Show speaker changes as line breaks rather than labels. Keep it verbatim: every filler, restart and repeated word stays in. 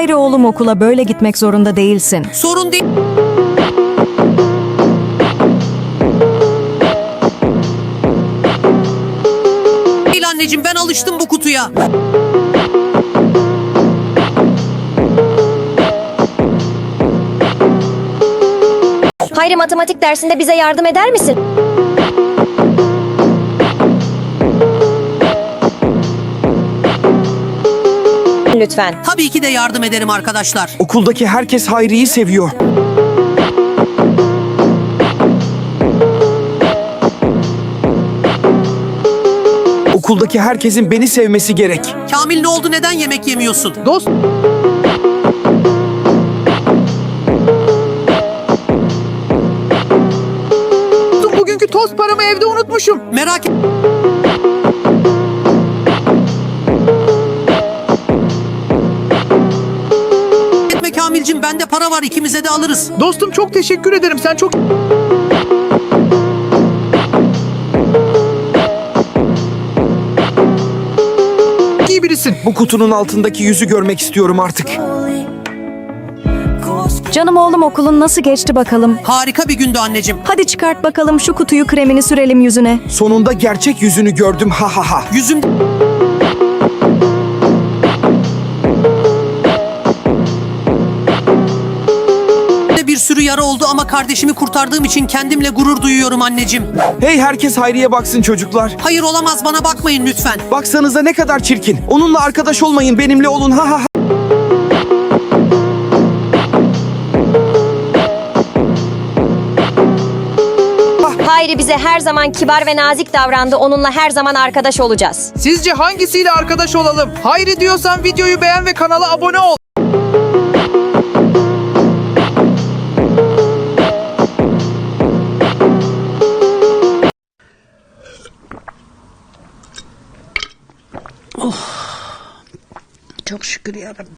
Hayri oğlum, okula böyle gitmek zorunda değilsin.
Sorun değil. Değil anneciğim, ben alıştım bu kutuya.
Hayri, matematik dersinde bize yardım eder misin? Lütfen.
Tabii ki de yardım ederim arkadaşlar.
Okuldaki herkes Hayri'yi seviyor. Okuldaki herkesin beni sevmesi gerek.
Kamil, ne oldu, neden yemek yemiyorsun?
Dost... Bugünkü tost paramı evde unutmuşum.
Merak et. Etme Kamilcim, bende para var, ikimize de alırız.
Dostum çok teşekkür ederim. Sen çok... iyi birisin.
Bu kutunun altındaki yüzü görmek istiyorum artık.
Canım oğlum, okulun nasıl geçti bakalım?
Harika bir gündü anneciğim.
Hadi çıkart bakalım şu kutuyu, kremini sürelim yüzüne.
Sonunda gerçek yüzünü gördüm, ha ha ha.
Yüzüm... Bir sürü yara oldu ama kardeşimi kurtardığım için kendimle gurur duyuyorum anneciğim.
Hey, herkes Hayri'ye baksın çocuklar.
Hayır, olamaz, bana bakmayın lütfen.
Baksanıza ne kadar çirkin. Onunla arkadaş olmayın, benimle olun, ha ha ha.
Hayri bize her zaman kibar ve nazik davrandı. Onunla her zaman arkadaş olacağız.
Sizce hangisiyle arkadaş olalım? Hayri diyorsan videoyu beğen ve kanala abone ol.
Çok şükür yarabbim.